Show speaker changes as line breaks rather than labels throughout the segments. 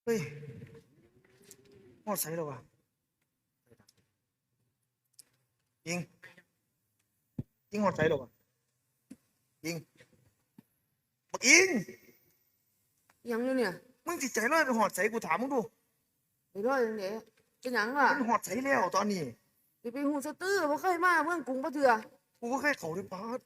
เฮ้ยหอดใส่แล้ววะยิงยิงหอดใส่แล้ววะยิงบักยิง
ยังอยู่เนี่ย
มึงจิตใจร้อยไปหอดใส่กูถามมึงดู
ไอ้ร้อยยังไงเป็นหยังล่ะ
มันหอดใส่แล้วตอนนี้
สิไปหูสตื้อบ่เคยมาเมืองกรุงบ่เถื่อ
กูก็แค่เขาด้วยปาด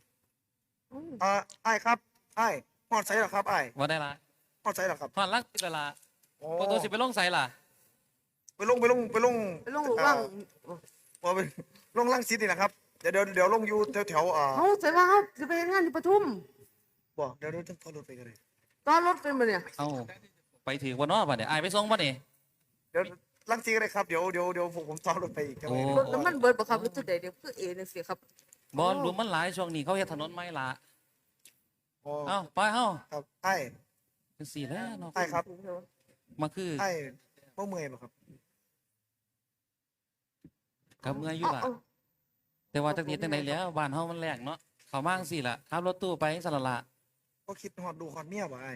ไอ้ครับไอ้หอดใส่หรอครับไอ้
ว่าได้ละ
หอดใส่หรอครับ
ผ่อนลักติดเวลาประตูสิไปลงใส่ล่ะ
ไปลง
ไปลงว่าง
ไปลงล่างซิดนี่นะครับเดี๋ยวลงอยู่แถว
เฮาใส่ว่าเฮาสิไปเฮ็ดงานอยู่ปทุม
บอกเดี๋ยวต้องขับรถไปกันเลย
ตอนรถเป็นบ่เนี่ย
เอ้าไปถือวันนอกป่ะเนี่ยไอไปส่งป่ะนี่
เดี๋ยวล่างซิดเลยครับเดี๋ยวผมต่อรถไปอีกจังเลย
รถน้ำมันเบิดบ่ครับหรือจุดใดเดี๋ยวคือจังซี่ครับ
บอลรวมมันหลายช่วงนี้เขาเฮ็ดถนนใหม่ละเอ้าไปเอ้า
ครับไอ้
คือสี่แล้วเนาะ
ไอ้ครับ
มาคือ
ไอ้บ่เมื่อยป่ะครับ
กับเมื่อยอยู่ล่ะแต่ว่าจักนิดจังไดแล้วบ้านเฮามันแรงเนาะเขามากสิล่ะขับรถตู้ไปสละละ
ก็คิดฮอดดูฮอดเมียบ่ไอ้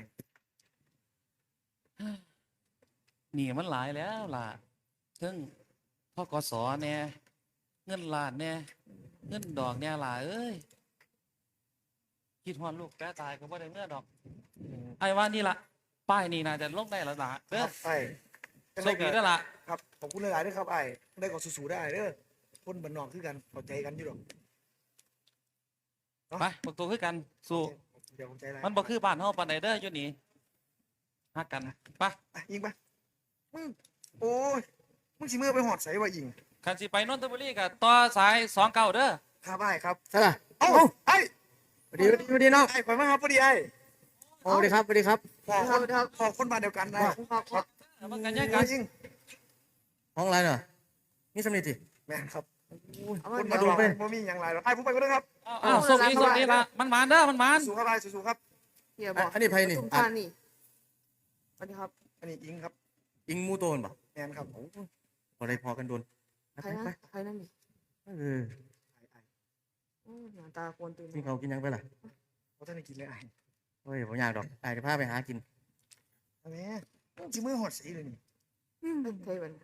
นี่มันหลายแล้วล่ะถึงพกสเนี่ยเงินล้านเนี่ยเงินดอกเนี่ยล่ะเอ้ยคิดฮอดลูกแกตายก็บ่ได้เมื่อดอกไอ้ว่านี่ล่ะป้ายนี่น่าจะลงได้แล้วล่ะเด้อ
ไอ้
โชคดีแล้วล่ะ
ครับขอบคุณหลายๆด้วยครับไอ้ได้ก็สู้ๆได้เด้อคนบ้านนอกคือกันเข้าใจกันอยู่หรอก
ไปบอกตัวคือกันสู้มันบอกคือบ้านเฮาปานใดเด้ออยู่นี่ฮักกันไป
ยิงไปโอ้ยมึงสิมือไปหอดใส่ว่ายิง
คันสิไปนนทบุรีกับต่อสาย29เด้อ
ครับไอ้ครับ
ใช่ป่ะ
เอ้าไอ้
สวัสดีน้อง
ไอ้ข่อยมาครับพอดีไอ้
สวัสดีครับสวัสดีครับ
พอคนบ้านเดียวกันนะครับ
มันกันยังกัน
ยิง
ห้องอะไรเนาะนี่สำเร็จสิ
แม่ครับคนมาดูไปบ่มีอย่างไรหรอกไอ้ผมไปก็ได้ครับ
ส่งอีละมันมานเด้อมันมาน
สู้ครับไอ้สู้ครับ
อันนี้ไพ่นี่
สวัสดีครับ
อันนี้อิงครับ
อิงมูโตนป่ะ
แม่ครับ
พอได้พอกันโดน
ใครนั่นนี่หน้าตาควรตื่น
กินเขากินยังไปล่ะ
เขาท่านได้กินเลยไอ้
เฮ้ยผมอยากดอกไอ้จะพาไปหากิน
แม่จิมือหอดใส่เลยนี่
ใช่มัน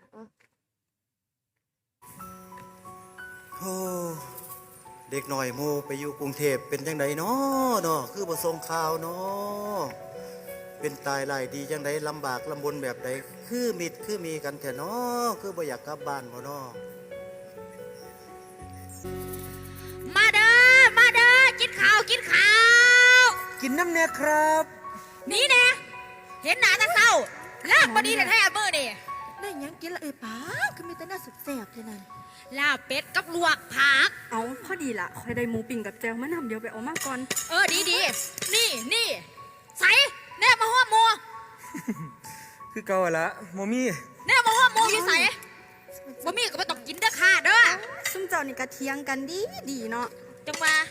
โอ้เด็กหน่อยโมไปอยู่กรุงเทพเป็นจังไดเนาะคือบ่ส่งข่าวเนาะเป็นตายหลายดีจังไดลำบากลำบนแบบใดคือมิดคือมีกันแท้เนาะคือบ่อยากกลับบ้านบ่เนาะ
มาเด้อกินข้าว
กินน้ำเนี่ยครับ
นี่แน่เห็นหน้าตาเศร้าลากบ่ดีแท้ๆมื้อนี่
ได้ยังกินละป้าคือมีแต่น่าสุดแซ่บแค่นั้น
ลาบเป็ดกับลวกผัก
เอาพอดีละคอยได้หมูปิ้งกับแจวมะนาวเดี๋ยวไปเอามาก่อน
ดีนี่ใส่แน่มาหัวหมู
คือเก่าละโมมี่
แน่มาหัวหมูอยู่ใส่บ่มีก็ไม่ต้องกินเด้อค่ะเด้อ
ซุ่มเจ้านี่กระเทียงกันดีเนาะ
จังว่า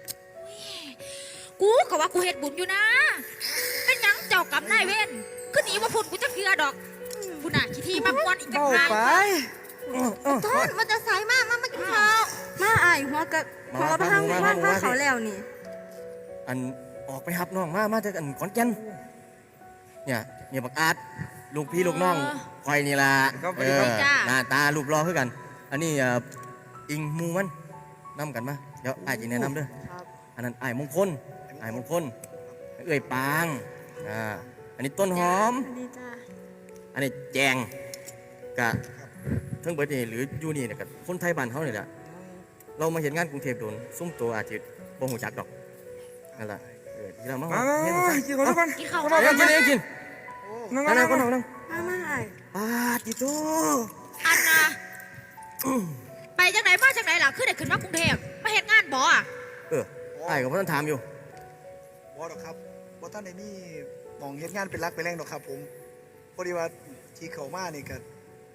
กูก็ว่ากูเฮ็ดบุญอยู่นะเป็นหยังเจ้ากรรมนายเวรคือหนีมาพุ่นกูจะเกลือดอกกูน่ะขี้ที่มากวนอีกจังไง
ต้นมันจะใส่มากินข้าวมาไอ้หัวกะพอพังเขาแล้วนี่
อันออกไปหับน้องมาจากอันขอนแก่นเนี่ยบักอาดลูกพี่ลูกน้องคอยนี่ล่ะหน้าตารูปรอคือกันอันนี้อิงมูมันนำกันมาเดี๋ยวไอ้จีแนะนำด้วยอันนั้นไอ้มงคลเอ้ยปางอันนี้ต้นหอมอันนี้แจงกะทั้งเบิดนี่หรือยูนี่เนี่ยกับคนไทยบ้านเขาเนี่ยแหละเรามาเห็นงานกรุงเทพโดนซุ่มตัวอาจจะบ่หูจักดอกนั่นแหละที่เรามา
กินข้าวก่อน
กินข้าว
กินนั่งคนนั่ง
มา
ติโต
อันนะไปจังไหนมาจังไหนล่ะคือได้ขึ้นมากรุงเทพมาเห็นงานบ่
ไอ้กับพ่อท่านถามอยู่
บ่หรอกครับบ่ท่านได้มีมองเห็นงานเป็นรักเป็นแรงหรอกครับผมพอดีว่าที่เขามานี่กัน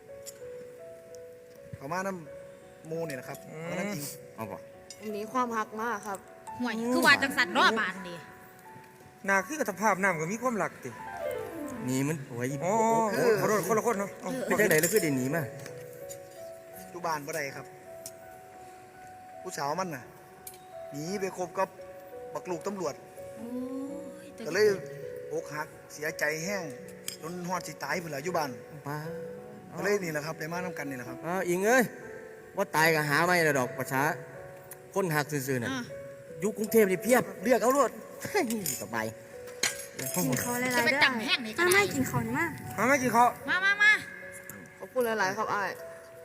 เขามาน้ำมูเนี่ยนะครับมาน้ำอิง
เอาป่ะ
มีความหักมากครับ
ห่วยคือว่าจังสันรอบานดิ
นาคือกับสภาพน้ำก็มีความหลักติ
นี่มันโอ้ย
ขอโทษคนละคนเนาะ
ไม่ใช่ไหนแล้วคือเดี๋ยวนี้มา
อยู่บ้านบ่ได้ครับผู้สาวมันน่ะหนีไปคบกับบักลูกตำรวจก็เลยอกหักเสียใจแห้งจนฮอดสิตายพุ่นล่ะอยู่บ้าน
ป้า
ก็เลยนี่แหละครับได้มานํกันนี่แหละครับ
อิงเอ้ยว่าตายก็หาไม่ได้ดอกประชาคนหักซื่อๆน่ะ
อ่ะ
อยู่กรุงเทพนี่เพียบเลือกเอารถ สบาย
กินเขาหลาย
จะ
ๆ
ไป
ด้วย
จำแห้งนี่ก็
มา
ได้
ไม่กินเขานี่มา
มาไม่กินข้าว
มา
ขอบคุณหลายๆครับไอ้าย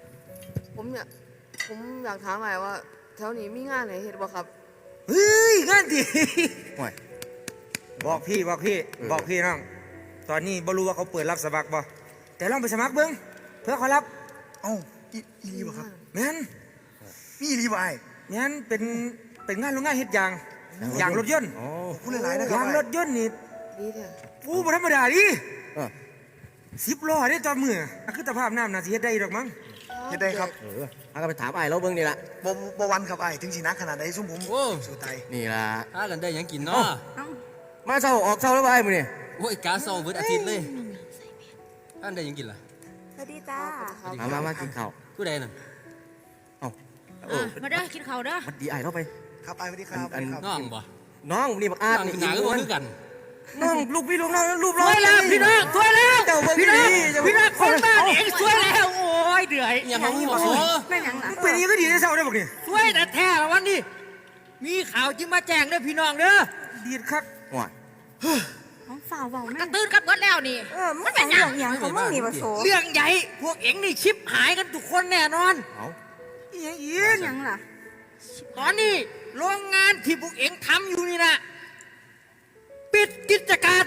ผมอยากถามไอ้ายว่าแถวนี้มีงานไหนเฮ็ดบ่ครับ
เฮ้ยงานดี
ห่วย
บอกพี่บอกน้องตอนนี้บ่รู้ว่าเขาเปิดรับสมัครบ่แต่ลองไปสมัครเบิ่งเพื่อเขารับเอ้าอีหลีบ่ครับแม่นมีอีหลีบ่ไอ้แม่นเป็นงานโรงงานเฮ็ดยางรถยนต์
อ๋อ
พูดหลายๆนะครับยางรถยนต์นี่
ดีแท้
กูบ่ธรรมดาดิ
เออ
10 ล้อได้ต่อมือคือสภาพน้ำน่าสิเฮ็ดได้ดอกมั้งเฮ็ดได้ครับ
เอาก็ไปถามไอ้เราเบิ่งนี่ล่ะ
บ่วันครับไอ้ถึงสิหนักขนาดใดซุ่มผม
โอ้
สู้ตาย
นี่ล่ะ
ถ้ากันได้หยังกินเนาะ
มาเช้าออกเช้าแล้วไปมื้อนี่
โอ้ยกาเซาเบิดอาทิตย์เลยถ้ากันได้หยังกินล่ะ
สวัสดีจ้า
มากินข้าว
ผู้ใดนั่น
เอ้า
มาเด้อกินข้าวเด้อ
วัดดีไอ้เราไป
ครับไอ้สวัสดีครับ
อัน
น้องบ่
น้องนี่บักอาด
น้อง
นี่
กินหนาก็บ่คือกัน
น้องลูกพี่ลูกน้องรูป
สวยแล้วพี่น้องสวยแล้ว
เจ้าเบิ่ง
พี่น้อง
ดี
พี่น้องคนบ้านเองสวยแล้วโอ้ยเดือย
อย่ามาหัวโซ
แม่นหยังล่ะ
เป็นอย่างนี้ก็ดีได้เศร้าได้บอกนี่
สวยแต่แท้ละวันนี้มีข่าวจึงมาแจ้งเด้อพี่น้องเด้อ
ดีดคัก
ห่วย
น้องฝ่าวเบาแม่
กระตื้นกันเบิดแล้วนี่
มันเป็นอย่างหยังของมึงนี่บ่โส
เรื่องใหญ่พวกเอ็งนี่ชิปหายกันทุกคนแน่นอน
เอา
อีหยังอี
เป็น
ก
หยังล่ะ
ตอนนี้โรงงานที่พวกเอ็งทำอยู่นี่นะปิดกิจการ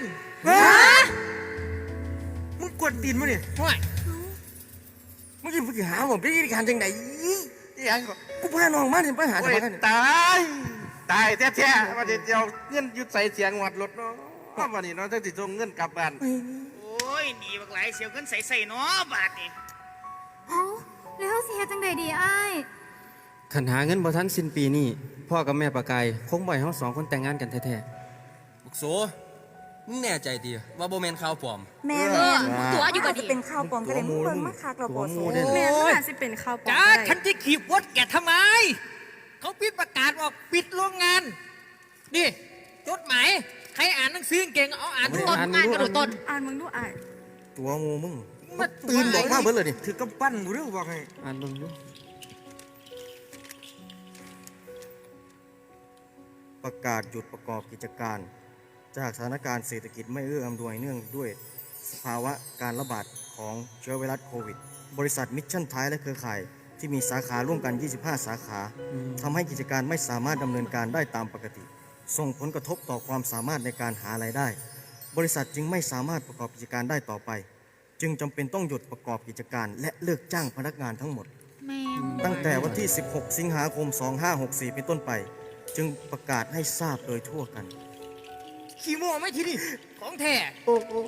มึงกวนตีนมั้ยนี่
ห่วย
เมื่อกี้มึงหาผมไปกินการจังไดอีหยังก็กูพาน้องมานี่ไปหาสมัครกัน
ตายแท้ๆว่าจะเอาเงินยุดใส่เสียงหวัดรถเนาะวันนี้เนาะจะติดส่งเงินกลับบ้าน
โอ้ยหนีบักหลายเสียวเงินใส่เนาะบาทนี่
เอ้าแล้วสิเฮ็ดจังไดดีอ้าย
ขันหาเงินบ่ทันสิ้นปีนี้พ่อกับแม่ประกายคงบ่อยเฮาสองคนแต่งงานกันแท้ๆบุกโซมึงแน่ใจดีว่าบ่แม่นข่าวปลอม
แม่
เออตัวอยู่กับ
จะ
ดี
เป็นข้าวปลอมก็ได้มึงเบิ่งมาคักเราบ่โส
ตัวหมู่
แม่มันอาจสิเป็นข้าวปลอม
จ้า
ก็ได้
ฉันจะขีบวดแกทำไม เขาปิดประกาศว่าปิดโรงงาน นี่จดหมายใครอ่านหนังสือเก่งเอาอ่านดู
ต้นงานกระโดดต้น
อ่านมึงดูอ้าย
ตัวงูมึงตื่นบอกมาเบิดเลยดิ
ถือกำปั้นกูเรื่องบอกให้
อ่านเบิ่งดู
ประกาศหยุดประกอบกิจการ จากสถานการณ์เศรษฐกิจไม่เอื้ออำนวยเนื่องด้วยสภาวะการระบาดของเชื้อไวรัสโควิด บริษัทมิชชั่นไทยและเครือข่ายที่มีสาขาร่วมกัน 25 สาขาทำให้กิจการไม่สามารถดำเนินการได้ตามปกติ ส่งผลกระทบต่อความสามารถในการหารายได้ บริษัทจึงไม่สามารถประกอบกิจการได้ต่อไป จึงจำเป็นต้องหยุดประกอบกิจการ และเลิกจ้างพนักงานทั้งหมด
แม่
ตั้งแต่วันที่ 16 สิงหาคม 2564 เป็นต้นไป จึงประกาศให้ทราบโดยทั่วกัน
ขี้โม่ไหม่ทีนี่ของแท้
โอ้โห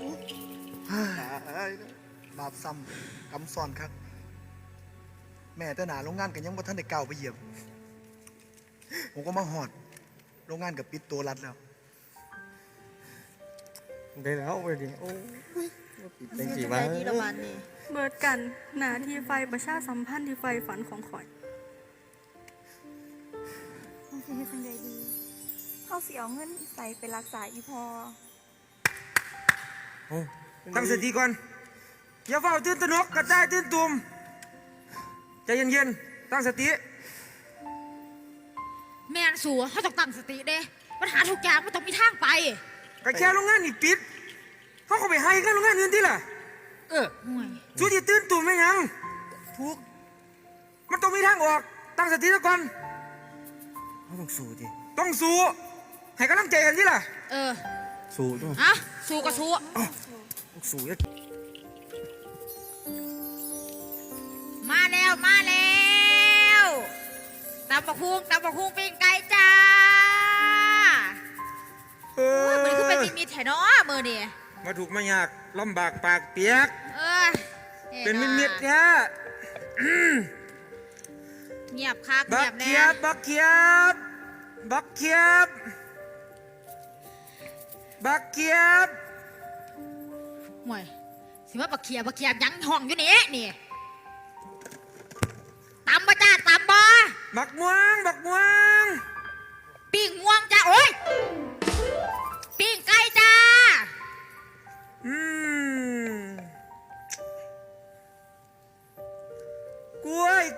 บาปซ้ำกำซ้อนครับแม่แต่หนาโรงงานกันยังบ่ทันได้ก้าวไปเหยียบผมก็มาหอดโรงงานกับปิดตัวรัดแล้ว
ได้แล้วไปดิโอ้ยเป็นกี่
จัง
วะ
ไดดีละวันนี้เบิดกันหน้าที่ไฟประชาสัมพันธ์ที่ไฟฝันของข่อยเขาสิเฮ็ดจังไดดีเขาสิเอาเงินใส่ไปรักษาอีพอ
โอ้
ตั้งสติก่อนอย่าเฝ้าตื่นตระหนกกระจายตื่นตุ่มใจเย็นๆตั้งสติ
แม่นสัวเขาต้องตั้งสติเด้ปัญหาทุกอย่างมันต้องมีทางไป
ก็แค่โรงงานนี่ปิดเขาก็ไปให้กันโรงงานอื่นที่ล่ะ
ห่วย
สู้ที่ตื่นตุ่มไม่ยัง
ถูก
มันต้องมีทางออกตั้งสติซะก่อน
เขาต้องสู้ดิ
ต้องสู้ให้กำลังใจกันที่ล่ะ
เออ
สู้ด้วย
อะสู้ก็สู้
ต้องสู้แล้ว
มาแล้วตำบักหุ่งปิ้งไก่จ้า
เอ
เฮ้ย
อ
มันคือเป็นมีแถนอมือนี่
มาถูกมายากลำบากปากเปียก
เออ
เป็นมิดๆแท้
เงียบคัก
บั
เงี
ก
ยบ
เขี
แน่
ยบบักเขียบบักเขียบบักเขียบ
ห่วยสิว่าบักเขียบยังห้องอยู่นี่นี่ตำบ่จ้าตำบ่
บักม่วงบักม่วง
ปิ้งม่วงจ้าโอ้ยปิ้งไก่จ้า
อืม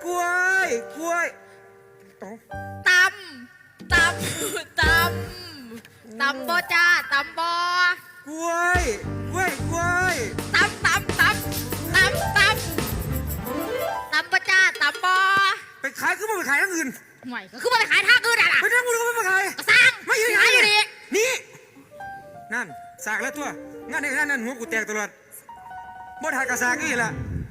กล้วยกล้วยเอ้า
ตำบ่จ้าตำบ่
กล้วยกล้วยกล้วย
ตำบ่จ้าตำบ่
ไปขายก็ไม่ไปขายทั้งอื่น
ห่วยก็คือมาไปขายทางอื่นอ่ะล่ะ
ไปทั้งอื่นก็ไม่ไปขาย
ก็สร้าง
ไม่อยู่
ขายอยู่ดี
นี่นั่นสากแล้วตัวงั้นในนั้นหัวกูแตกตลอดบ่ทายกระสากนี่แหละ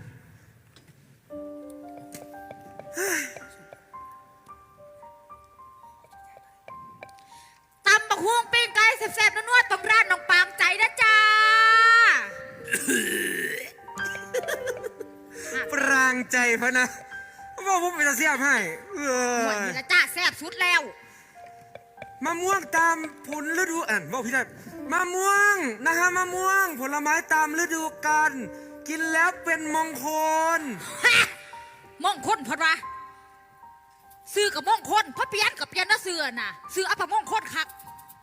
ตำบักฮวงปิ้งไก่แซ่บๆนัวๆต้องร้านน้องปางใจนะจ้า
ปรางใจพะนะว่าผมไปจะเสียบให้
ห่วยนี่ละจ้าแซ่บสุดแล้ว
มะม่วงตามผลฤดูบอกพี่ได้มะม่วงนะฮะมะม่วงผลไม้ตามฤดูกาลกินแล้วเป็นมงคล
ฮะมงคลพอดวะซื้อกับมงคลพระเปลี่ยนกับเปลี่ยนนะเสือน่ะซื้ออัปมงคลคัก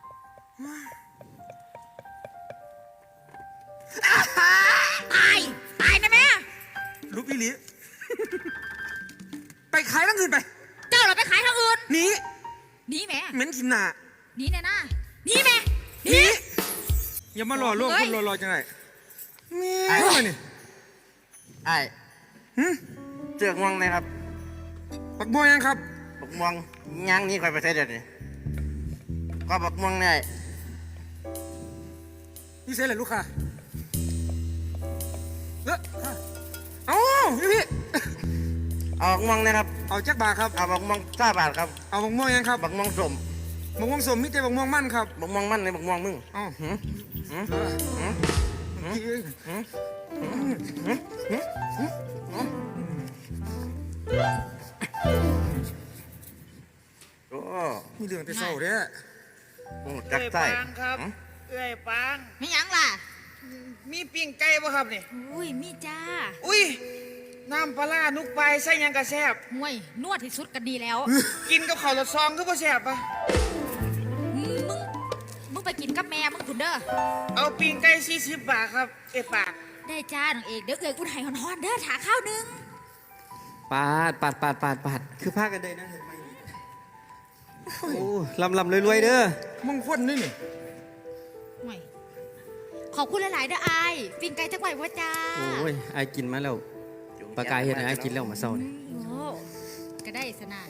ตายนะแม่
ลูกพี่ลี ไปขายทั้งอื่นไป
เจ้าเราไปขายทางอื่น
หนี
หนีแม่
เหม็นกินหนา
หนีแน่นะหนีแม่ห
ห
นี
นีอย่ามาหล่อลวง
เฮ้
ค
ย
นรอๆจังไรนี่
ไอ้
มานี่
ไอ้
หึ
เจือกม่วงนะครับ
ปักบัวยังครับ
บักม่วงย่างนี้คอยไปใช้เดี๋ยวนี้ก็บักม่วงเนี่ย
นี่เซ่เลยลูกค้าเอ้าพี่
เอาบักม่วงนะครับ
เอาจักบาทครับ
เอาบักม่วง5 บาทครับ
เอาบักม่วงยังครับ
บักม่วงส้ม
บักม่วงสมมิแต่บักม่วงมั่นครับ
บักม่วงมันในบักม่วงมึง
เอ้า
หืมหืม โอ้
มีเรื่องแต่เศร้าเด้อ
โหจักใส่
ปางครับเอ้ยปาง
ไม่หยังล่ะ
มีปิ้งไก่บ่ครับนี่
อุ้ยมีจ้า
อุ้ยน้ำปลาร้านุกปลายใส่หยังกระแซบ
ห่วยนวดที่สุดก็ดีแล้ว
กินกับข้าวรสซองก็บ่แซบปะ
มึงไปกินกับแม่มึงคุณเด้อ
เอาปิ้งไก่40 บาทครับเอ้ยปาง
ได้จ้าน้องเอกเดี๋ยวเอกกูไห้ฮอนๆเด้อถาข้าวหนึง
ปาดคือพากันได้นะเห็นไหมโอ้ลำรวยๆเด้อ
มงคลนี่นี่
ห่วยขอบคุณหลายๆเด้ออายปิ้งไก่จักไหววะจ้า
โอ้ยไอ้กินมาแล้วปลากายเห็นไอ้กินแล้วมาเศร้านี่
โอ้ก็ได้สนะ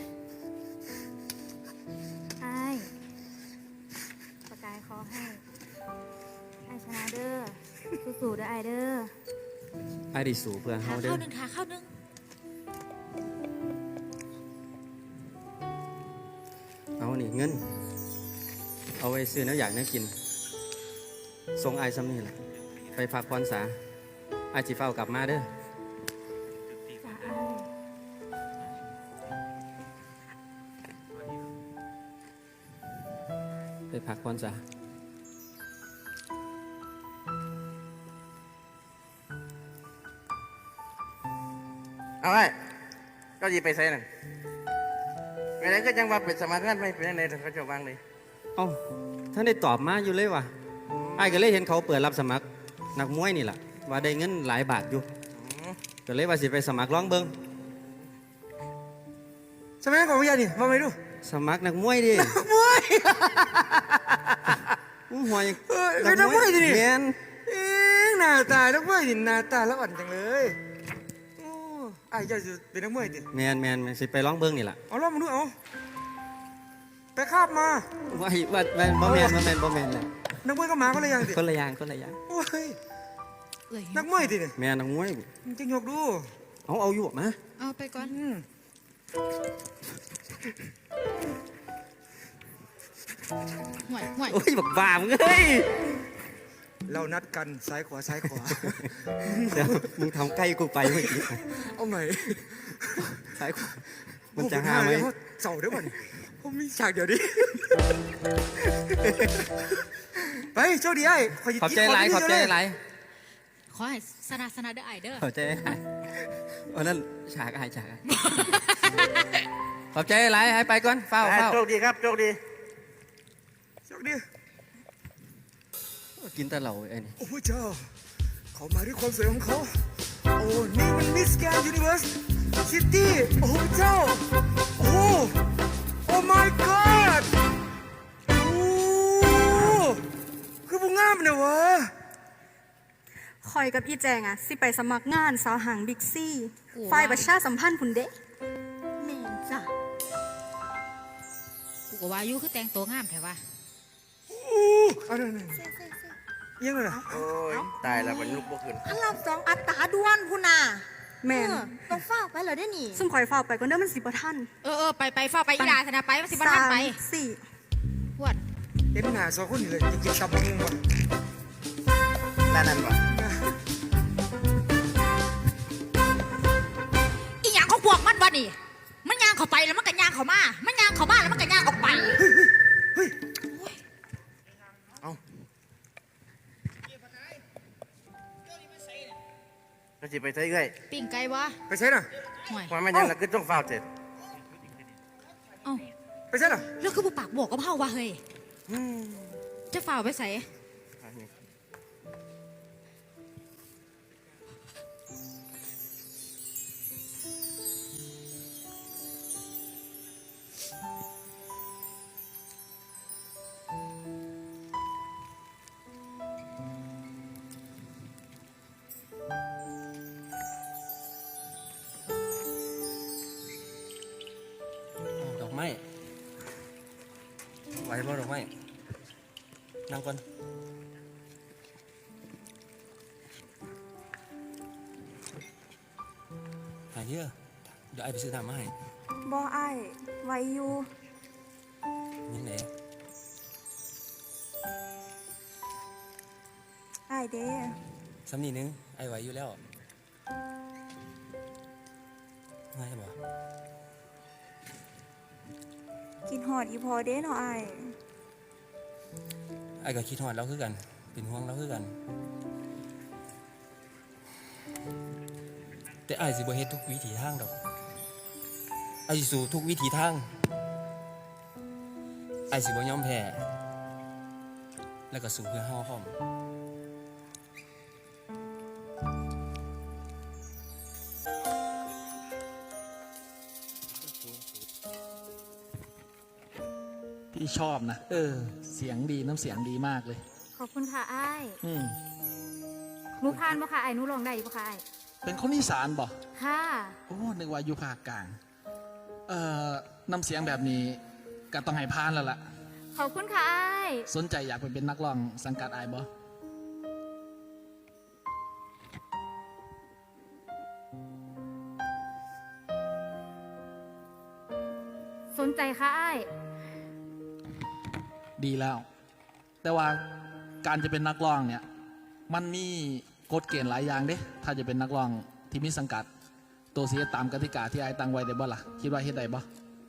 ไอ้ปากกายขอให้ไอ้ชนะเด้อสู้ๆเด้อไอ้เด้อ
ไอ้ได้สู่เพื่อ
ถา
เฮาเด้
ข้า
อ
วหนึงถาข้าวหนึง
เอานี่เงิน เอาไว้ซื้อน้ำอยากน้ำกินส่งไอ้ซ้ำนี่แหละไปพักผ่อนซะไอ้จีเฝ้ากลับมาเด้อ
จ้าไอ้
ไปพักผ่อนซะ
เอาไว้ก็ยีไปใส่นั่นไปไหนก็จังว่าเป็นสมัครงานไม่เป็นยังไงเขาจะวางเลย
เอ้าท่านได้ตอบมาอยู่เลยว่ะไอ้ก็เลยเห็นเขาเปิดรับสมัครนักมวยนี่แหละว่าได้เงินหลายบาทอยู่ก็เลยว่าสิไปสมัครร้องเบิง
สมัยของพี่ยานี่มาไม่ดู
สมัครนักมวยดิ
มวย
อู้หัวยัง
เป็นนักมวยดิ
แมน
หน้าตานักมวยดิหน้าตาแล้วอ่อนจังเลยโอ้ไอ้เจ้าจะเป็นนักมวยดิ
แมนสิไปร้องเบิงนี่แหละ
เอาล่อมาดูเอาไปคาบมา
ว่าบ่แมนแหละ
นักมวยก็หมาก็เลยยังดิ
คนละอย่าง
โอ้ย
เอ้ย
นักมวยดิเนี่ย
แมนนักมวย
มึงจะยกดู
เอาอยู่มา
เอาไปก่อน ห่วยห่วย
โอ้ยบักบามงเอ้ย
เรานัดกันซ้ายขวาซ้ายขวา
เดี๋ยวมึงทำใกล้กูไปเมื่อกี้
เอาใหม่
ซ้ายขวามันจะหาไหม
เสาเดี๋ยวก่อนผมมีฉากเดี๋ยวดิไปโชคดีไอ้
ขอบใจหลาย
ขอให้สนะเด้อไอายเด้อ
ขอบใจหลายวันนั้นฉากอะไรขอบใจหลายให้ไปก่อนเฝ้า
โชคดีครับโชคดี
โชคดี
กินแต่เหล้าไอ้นี่
โอ้พระเจ้าเขามาด้วยความสวยของเขาโอ้นี่มันมิสแกรนด์ยูนิเวิร์สซิตี้โอ้เจ้าโอ้โอ้ my god โอ้คือบุงงามเนี่ยวะ
คอยกับอีแจงอะสิไปสมัครงานสาวหางบิ๊กซี่ฝ่ายประชาสัมพันธ์พุ่นเด้แม่นจ้ะ
กูก็ว่าอยู่คือแต่งตัวงามแท้ว่า
เอาหน่อยยังไงล่ะ
โอ้ยตายแล้วมันลุกบ่ขึ้น
อันรับ2อัตราด่วนพุ่นน่ะ
แม่น
ต้องฟ้าวไปเหรอได้นี่
ซุ่มคอยเฝ้าไปก่อนเด้อมันสิบ่ทัน
ไปเฝ้าไปอีหลาธนาไปมันสิบ่ทันไป
สี่
พวด
เอ็มหาสองคนนี่เลยจะกินตับมึงวะ
แล้วนั่นวะ
อีหยังของพวกมันวะนี่มันย่างเข้าไปแล้วมันก็ย่างเข้ามามันย่างเข้ามาแล้วมันก็ย่างออกไป
ก็สิไปใช้เอ้ย
ปิ้งไก่วะ
ไปใช่น่ะ
ห่วย
ว่ามันยังละคือต้องฟ้าวเสร็จ
เอ้า
ไปใช่น่ะ
แล้วคือบ่ปากบอกกับเฮาวะเฮ้ยจะฝ่าไปใส่
ดอกไม้ไหวบ่ดอกไม้นั่งก่อนหายเยอะเดี๋ยวไอ้ไปซื้อน้ำมาให้
บ่อ้ายไว้อยู่
ยังไง
อ้ายเด้
ซ้ำนี่นึงไอ้ไหวอยู่แล้วง่ายบ่
กินหอดอีพอเด้เนาะอ้าย
ไอ้ก็คิดฮอดเราคือกัน เป็นห่วงเราคือกัน แต่ไอ้สิบ่เฮ็ดทุกวิถีทางดอกไอ้สิสู้ทุกวิถีทางไอ้สิบ่ยอมแพ้แล้วก็สู้เพื่อเฮาพร้อม
พี่ชอบนะเสียงดีน้ำเสียงดีมากเลย
ขอบคุณค่ะอ้าย
อืม
หนูพานบ่ค่ะอ้ายหนูลองได้บ่ค่ะอ้าย
เป็นคนอีสานบ่
ค่ะ
โอ้นึกว่าอยู่ภาคกลางน้ำเสียงแบบนี้ก็ต้องให้พานแล้วล่ะ
ขอบคุณค่ะอ้าย
สนใจอยากไปเป็นนักร้องสังกัดไอ้ายบ่
สนใจค่ะอ้าย
ดีแล้ว แต่ว่าการจะเป็นนักร้องเนี่ย มันมีกฎเกณฑ์หลายอย่างเด้ถ้าจะเป็นนักร้องที่มีสังกัด ตัวเสียตามกติกาที่ไอ้ายตั้งไว้ได้บ่ล่ะคิดว่าเฮ็ดได้บ่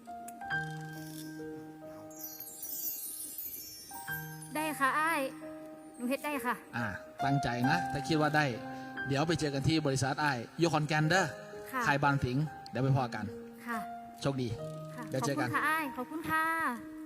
ได้ค่ะอ้ายหนูเฮ็ดได้ค่ะ
ตั้งใจนะถ้าคิดว่าได้ เดี๋ยวไปเจอกันที่บริษัทไอ้ายอยู่ขอนแก่นเด้อ
ค่ะ
ขายบานถิงเดี๋ยวไปพอกัน
ค่ะ
โชคดี
ค่ะ
เดี๋ยว
ขอบ
เจอ
คุ
กัน
ณค่ะอ้ายขอบคุณค่ะ